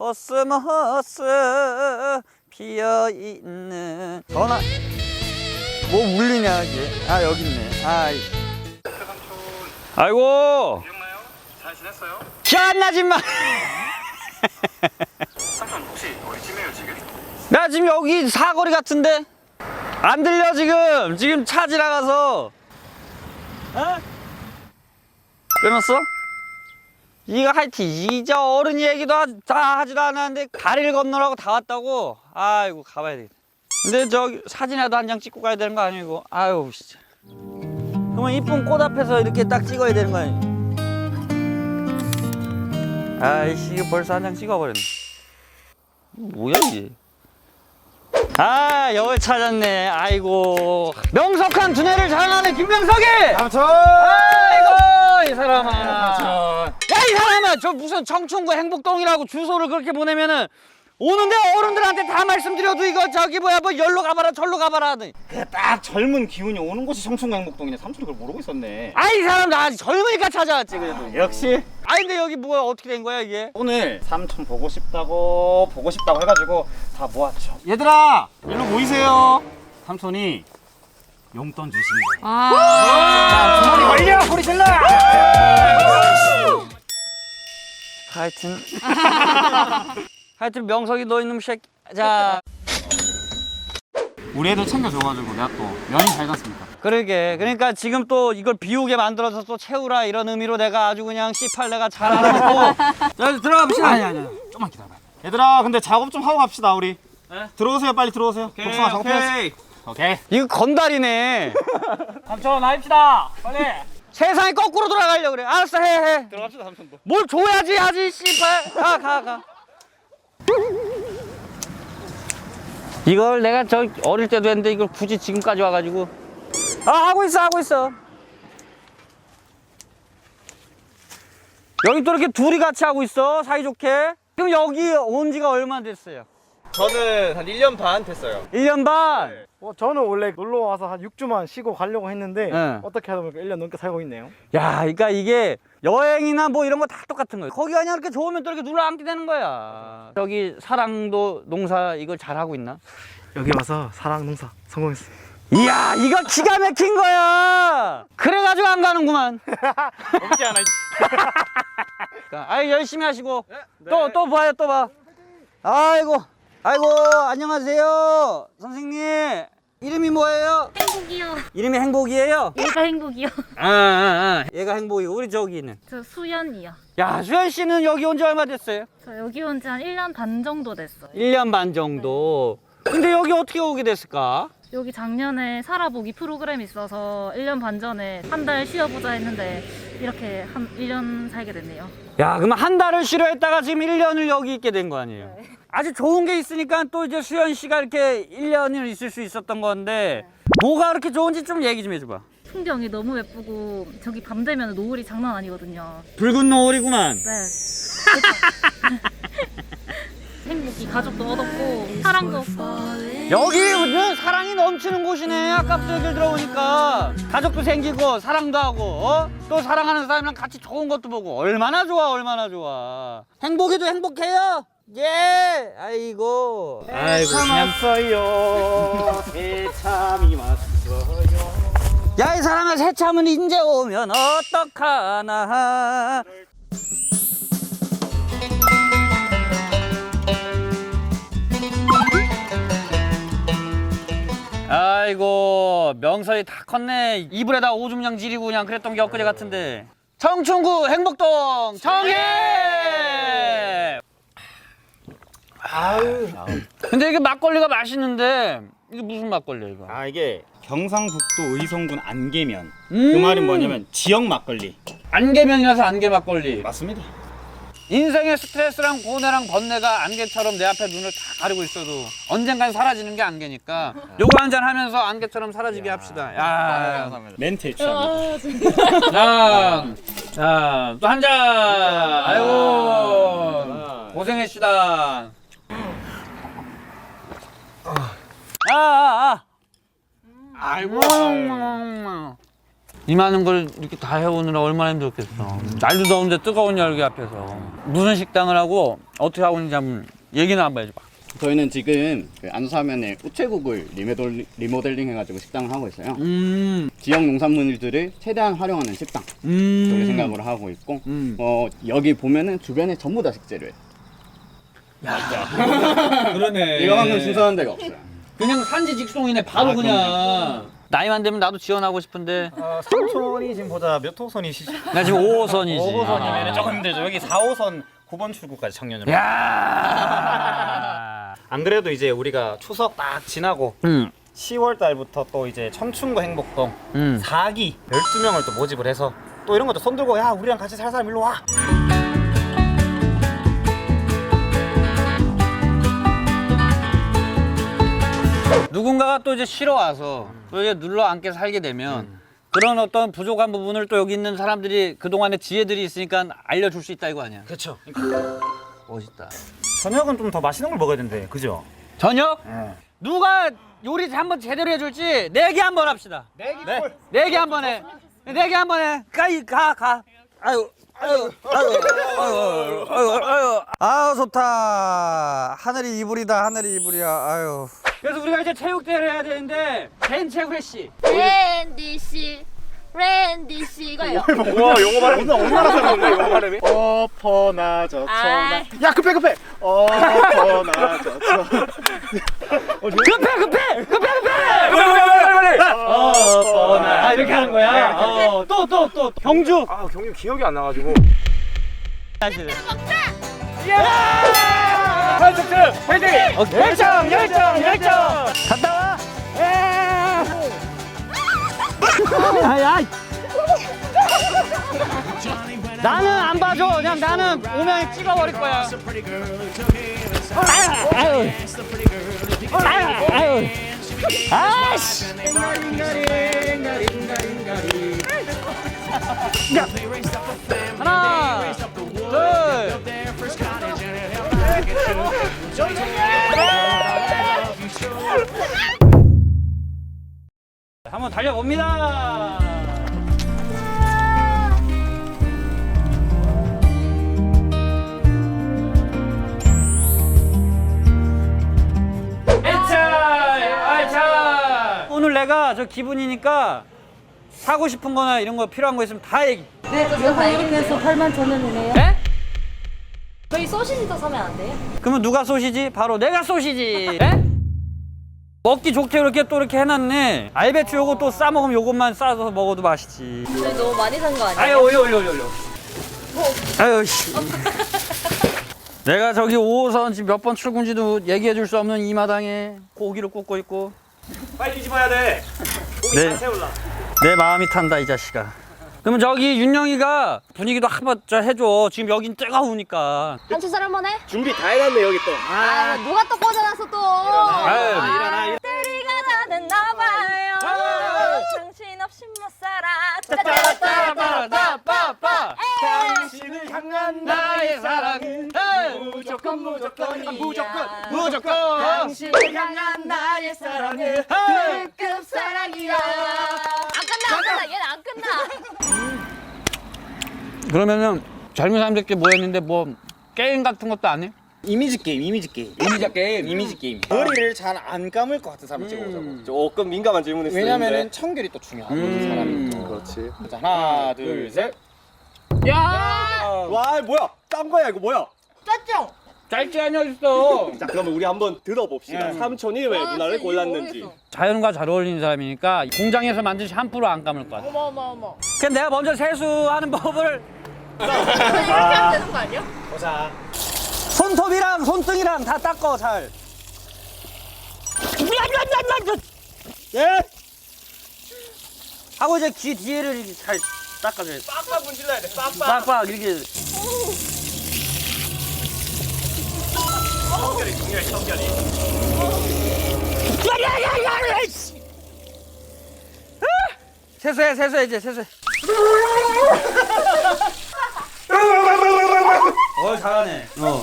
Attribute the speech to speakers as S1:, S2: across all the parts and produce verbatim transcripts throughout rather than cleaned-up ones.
S1: 코스모스 피어있는 전화 뭐 울리냐 이게. 아 여기 있네. 아 아이고
S2: 기억나요? 잘 지냈어요?
S1: 기억나지 마.
S2: 삼촌 혹시 어디쯤이에요 지금?
S1: 나 지금 여기 사거리 같은데 안 들려 지금. 지금 차 지나가서. 어? 끊었어? 이거 하여튼 이제 어른 얘기도 하, 다 하지도 않았는데 다리를 건너라고 다 왔다고. 아이고 가봐야 되겠다. 근데 저기 사진이라도 한 장 찍고 가야 되는 거 아니고. 아유 진짜. 그러면 이쁜 꽃 앞에서 이렇게 딱 찍어야 되는 거 아니야. 아이씨 이거 벌써 한 장 찍어버렸네. 뭐야 이게. 아 여기 찾았네. 아이고 명석한 두뇌를 자랑하는 김명석이.
S3: 삼촌!
S1: 아이고 이 사람아.
S3: 삼촌!
S1: 야 이 사람아 저 무슨 청춘구 행복동이라고 주소를 그렇게 보내면은 오는데 어른들한테 다 말씀드려도 이거 저기 뭐야 뭐 열로 가봐라 절로 가봐라 하더니.
S3: 딱 젊은 기운이 오는 곳이 청춘구 행복동이네. 삼촌이 그걸 모르고 있었네.
S1: 아 이 사람 나 아직 젊으니까 찾아왔지 그래도.
S3: 역시
S1: 아 근데 여기 뭐야 어떻게 된 거야 이게.
S3: 오늘 삼촌 보고 싶다고 보고 싶다고 해가지고 다 모았죠. 얘들아 일로 모이세요. 삼촌이 용돈 주신 거예요. 자 주머니 걸려 소리 질러.
S1: 하여튼 하여튼 명석이 너 있는 새끼. 자
S3: 우리 애들 챙겨줘가지고 내가 또 면이 잘 갔습니다.
S1: 그러게. 그러니까 지금 또 이걸 비우게 만들어서 또 채우라 이런 의미로 내가 아주 그냥 씨팔 내가 잘 알아놓고. 자 들어가 봅시다.
S3: 아니 아니 좀만 기다려봐. 얘들아 근데 작업 좀 하고 갑시다 우리.
S1: 네?
S3: 들어오세요 빨리 들어오세요. 복숭아 작업해야지. 오케이.
S1: 이거 건달이네.
S3: 삼촌 나입시다 빨리.
S1: 세상이 거꾸로 돌아가려고 그래. 알았어 해 해.
S3: 들어갑시다 삼촌도.
S1: 뭘 줘야지 하지 씨발. 가 가 가. 이걸 내가 저 어릴 때도 했는데 이걸 굳이 지금까지 와가지고. 아 하고 있어 하고 있어. 여기 또 이렇게 둘이 같이 하고 있어 사이좋게. 그럼 여기 온 지가 얼마나 됐어요?
S4: 저는 한 일 년 반 됐어요.
S1: 일 년 반?
S5: 어, 저는 원래 놀러 와서 한 육 주만 쉬고 가려고 했는데
S1: 네.
S5: 어떻게 하다 보니까 일 년 넘게 살고 있네요.
S1: 야, 그러니까 이게 여행이나 뭐 이런 거 다 똑같은 거예요. 거기가 그냥 이렇게 좋으면 또 이렇게 눌러앉게 되는 거야. 저기 사랑도 농사 이걸 잘하고 있나?
S5: 여기 와서 사랑 농사 성공했어요.
S1: 이야, 이거 기가 막힌 거야. 그래가지고 안 가는구만.
S3: 없지 않아.
S1: 아이 열심히 하시고 또 또 봐요 또 봐. 아이고 아이고 안녕하세요 선생님. 이름이 뭐예요?
S6: 행복이요.
S1: 이름이 행복이에요?
S6: 얘가 행복이요.
S1: 아, 아, 아. 얘가 행복이고 우리 저기는.
S6: 저 수연이요.
S1: 야 수현 씨는 여기 온 지 얼마 됐어요?
S6: 저 여기 온 지 한 일 년 반 정도 됐어요.
S1: 일 년 반 정도. 근데 여기 어떻게 오게 됐을까?
S6: 여기 작년에 살아보기 프로그램이 있어서 일 년 반 전에 한 달 쉬어보자 했는데 이렇게 한 일 년 살게 됐네요.
S1: 야 그러면 한 달을 쉬려 했다가 지금 일 년을 여기 있게 된 거 아니에요? 네. 아주 좋은 게 있으니까 또 이제 수현 씨가 이렇게 일 년을 있을 수 있었던 건데 네. 뭐가 그렇게 좋은지 좀 얘기 좀 해줘봐.
S6: 풍경이 너무 예쁘고 저기 밤 되면 노을이 장난 아니거든요.
S1: 붉은 노을이구만.
S6: 네. 행복이 가족도 얻었고 사랑도 얻고.
S1: 여기는 사랑이 넘치는 곳이네. 아까부터 얘기를 들어보니까 가족도 생기고 사랑도 하고 어? 또 사랑하는 사람이랑 같이 좋은 것도 보고 얼마나 좋아 얼마나 좋아. 행복이도 행복해요. 예. 아이고 아이고 그냥
S3: 왔어요. 새참이 왔어요.
S1: 야 이 사람아 새참은 이제 오면 어떡하나. 아이고 명설이 다 컸네. 이불에다 오줌냥 지리고 그냥 그랬던 게 엊그제 같은데. 청춘구 행복동 정해.
S3: 아유.
S1: 근데 이게 막걸리가 맛있는데 이게 무슨 막걸리야 이거?
S3: 아 이게 경상북도 의성군 안개면.
S1: 음.
S3: 그 말은 뭐냐면 지역 막걸리.
S1: 안개면이라서 안개 막걸리.
S3: 맞습니다.
S1: 인생의 스트레스랑 고뇌랑 번뇌가 안개처럼 내 앞에 눈을 다 가리고 있어도 언젠간 사라지는 게 안개니까 요거 한잔 하면서 안개처럼 사라지게 합시다. 야,
S3: 멘트에 취합니다.
S1: 자, 자, 또 한 잔. 아이고, 고생했시다. 아, 아, 아. 아이고. 이 많은 걸 이렇게 다 해오느라 얼마나 힘들었겠어. 날도 더운데 뜨거운 열기 앞에서 무슨 식당을 하고 어떻게 하고 있는지 한번 얘기나 한번 해줘봐.
S7: 저희는 지금 그 안수하면에 우체국을 리모델, 리모델링 해가지고 식당을 하고 있어요.
S1: 음,
S7: 지역 농산물들을 최대한 활용하는 식당
S1: 음.
S7: 그렇게 생각으로 하고 있고
S1: 음.
S7: 어, 여기 보면은 주변에 전부 다 식재료예요.
S1: 그러네.
S7: 이거만큼 신선한 데가 없어요.
S1: 그냥 산지 직송이네. 바로
S7: 아,
S1: 그냥. 나이만 되면 나도 지원하고 싶은데
S3: 어, 삼촌이 지금 보자 몇 호선이시죠?
S1: 나 지금 오 호선이지.
S3: 오 호선이면 조금 힘들죠. 여기 사 호선 구 번 출구까지 청년으로.
S1: 야.
S3: 안 그래도 이제 우리가 추석 딱 지나고
S1: 음.
S3: 시월 달부터 또 이제 청춘구 행복동
S1: 음.
S3: 사 기 열두 명을 또 모집을 해서 또 이런 것도 손 들고 야 우리랑 같이 살 사람 일로 와.
S1: 누군가가 또 이제 쉬러 와서 또 이제 눌러 앉게 살게 되면 그런 어떤 부족한 부분을 또 여기 있는 사람들이 그동안의 지혜들이 있으니까 알려줄 수 있다 이거 아니야.
S3: 그렇죠.
S1: 멋있다.
S3: 저녁은 좀 더 맛있는 걸 먹어야 된대. 그죠?
S1: 저녁?
S3: 네.
S1: 누가 요리 한번 제대로 해줄지 내기 한번 합시다.
S3: 내기
S1: 네. 내기 한번 해. 내기 한번 해. 가이 가 가. 아유. 아유, 아유, 아유, 아유, 아유,
S5: 아 좋다. 하늘이 이불이다. 하늘이 이불이야. 아유.
S1: 그래서 우리가 이제 체육대회를 해야 되는데 벤체 후레쉬.
S8: 랜디 씨, 랜디 씨 이거예요.
S4: 와 영어 발음 얼마나 잘하는데 영어 발음이?
S7: 어퍼나 저쳐나
S8: 아,
S4: 야 급해 급해.
S7: 어퍼나 저쳐나
S1: 급해 급해 급해 급해.
S3: 어,
S1: 아 이렇게 하는 거야. 어, 또 또 또 경주.
S4: 아 경유 기억이 안 나가지고.
S1: 열정 열정 열정. 갔다 와. 아야. 나는 안 봐줘. 그냥 나는 오면 찍어버릴 거야. 아유, 아유. 아유, 아유. 아이씨. 야. 하나, 둘. 한번 달려봅니다. 오늘 내가 저 기분이니까 사고 싶은 거나 이런 거 필요한 거 있으면 다 얘기.
S8: 네, 저 이거 이렇게 해서 팔만 천원이네요.
S1: 에?
S8: 저희 소시지 더 사면 안 돼요?
S1: 그러면 누가 쏘시지? 바로 내가 쏘시지. 에? 먹기 좋게 이렇게 또 이렇게 해놨네. 알배추 요거 또 싸먹으면 요것만 싸서 먹어도 맛있지.
S8: 저희 너무 많이 산 거 아니에요?
S1: 아유 올려 올려 올려 올려. 아유 씨. 내가 저기 오 호선 지금 몇 번 출근지도 얘기해 줄 수 없는 이 마당에 고기를 굽고 있고.
S3: 빨리 뒤집어야 돼. 고기
S1: 네.
S3: 잘 세울라.
S1: 내 마음이 탄다 이 자식아. 그러면 저기 윤영이가 분위기도 한번 저 해줘. 지금 여긴 뜨거우니까.
S8: 한추설 한번 해?
S4: 준비 다 해놨네 여기 또.
S8: 아, 누가 또 꽂아놨어 또?
S1: 아유.
S8: 아, 때리가 다 됐나봐요. 당신 없이 못 살아.
S1: 빠빠빠빠빠.
S8: 당신을
S1: 향한 나의 사랑은
S8: 무조건 무조건이야.
S1: 무조건 무조건
S8: 당신을 향한 나의 사랑은 특급 사랑이야. 안 끝나 안 끝나 얘는 안 끝나.
S1: 그러면은 젊은 사람들끼리 모였는데 뭐 게임 같은 것도 안 해?
S4: 이미지 게임 이미지 게임.
S1: 이미지 게임.
S4: 이미지 게임. 머리를 잘 안 감을 것 같은 사람 찍어보자고. 조금 민감한 질문일 수 있는데.
S7: 왜냐면은 청결이 또 중요하거든
S1: 음.
S7: 사람이 또.
S4: 그렇지.
S7: 자, 하나 둘 셋.
S4: 와 뭐야? 딴 거야 이거 뭐야?
S8: 짰죠?
S1: 짧지 않아 있어.
S4: 자 그러면 우리 한번 들어봅시다. 삼촌이 왜
S8: 와,
S4: 누나를
S8: 진짜
S4: 골랐는지.
S8: 모르겠어.
S1: 자연과 잘 어울리는 사람이니까 공장에서 만든 샴푸로 안 감을 거야.
S8: 어머 어머 어머.
S1: 그럼 내가 먼저 세수하는 법을
S8: 이렇게 하면 되는 거 아니야?
S3: 보자.
S1: 손톱이랑 손등이랑 다 닦어 잘. 예? 하고 이제 귀 뒤에를 이렇게 잘 닦아줘야 돼.
S4: 빡빡 문질러야 돼. 빡빡.
S1: 빡빡 이렇게.
S4: 청결이 중요해 청결이.
S1: 야야야야! 세수해 세수해 이제 세수해. 어 잘하네. 어.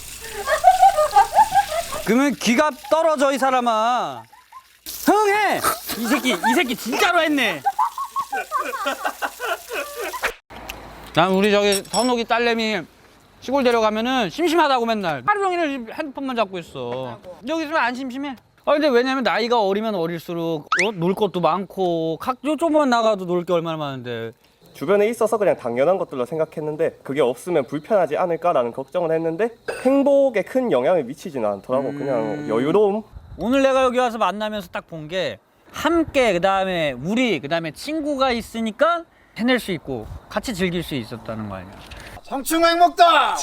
S1: 그러면 귀가 떨어져 이 사람아. 흥해. 이 새끼 이 새끼 진짜로 했네. 난 우리 저기 선옥이 딸내미 시골 데려가면은 심심하다고 맨날 하루 종일 핸드폰만 잡고 있어. 여기 있으면 안 심심해. 아 근데 왜냐면 나이가 어리면 어릴수록 어? 놀 것도 많고 학교 조금만 나가도 놀 게 얼마나 많은데.
S4: 주변에 있어서 그냥 당연한 것들로 생각했는데 그게 없으면 불편하지 않을까라는 걱정을 했는데 행복에 큰 영향을 미치지는 않더라고. 그냥 여유로움.
S1: 오늘 내가 여기 와서 만나면서 딱 본 게 함께 그다음에 우리 그다음에 친구가 있으니까 해낼 수 있고 같이 즐길 수 있었다는 거 아니야.
S3: 청춘 행복다.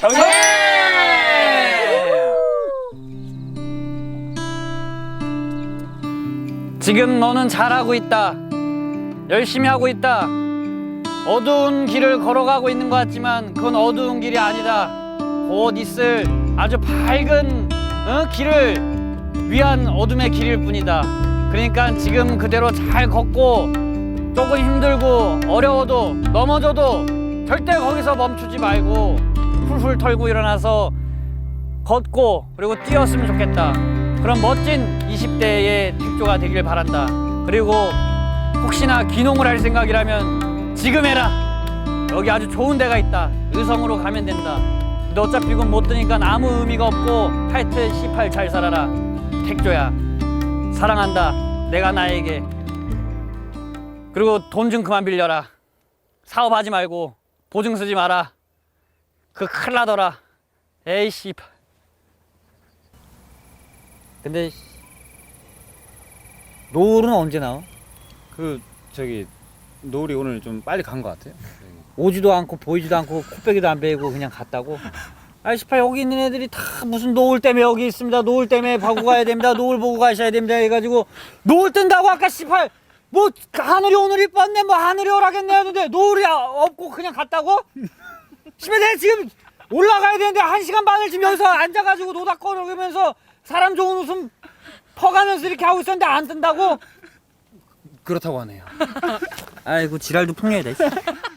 S1: 지금 너는 잘하고 있다. 열심히 하고 있다. 어두운 길을 걸어가고 있는 것 같지만 그건 어두운 길이 아니다. 곧 있을 아주 밝은 어? 길을 위한 어둠의 길일 뿐이다. 그러니까 지금 그대로 잘 걷고 조금 힘들고 어려워도 넘어져도 절대 거기서 멈추지 말고 훌훌 털고 일어나서 걷고 그리고 뛰었으면 좋겠다. 그런 멋진 이십 대의 택조가 되길 바란다. 그리고 혹시나 귀농을 할 생각이라면 지금 해라. 여기 아주 좋은 데가 있다. 의성으로 가면 된다. 근데 어차피 이건 못 드니까 아무 의미가 없고 하여튼 씨팔 잘 살아라. 택조야 사랑한다. 내가 나에게. 그리고 돈 좀 그만 빌려라. 사업하지 말고 보증 쓰지 마라. 그 큰일 나더라. 에이 씨발. 근데 노을은 언제 나와?
S3: 그 저기 노을이 오늘 좀 빨리 간 것 같아요.
S1: 오지도 않고 보이지도 않고 코빼기도 안 베이고 그냥 갔다고? 아이 씨발 여기 있는 애들이 다 무슨 노을 때문에 여기 있습니다. 노을 때문에 보고 가야 됩니다. 노을 보고 가셔야 됩니다 해가지고 노을 뜬다고 아까 씨발 뭐 하늘이 오늘 이뻤네 뭐 하늘이 오라겠네 하는데 노을이 없고 그냥 갔다고? 씨발 내가 지금 올라가야 되는데 한 시간 반을 지금 여기서 앉아가지고 노닥거리면서 사람 좋은 웃음 퍼가면서 이렇게 하고 있었는데 안 뜬다고?
S3: 그렇다고 하네요.
S1: 아이고 지랄도 풍년이다.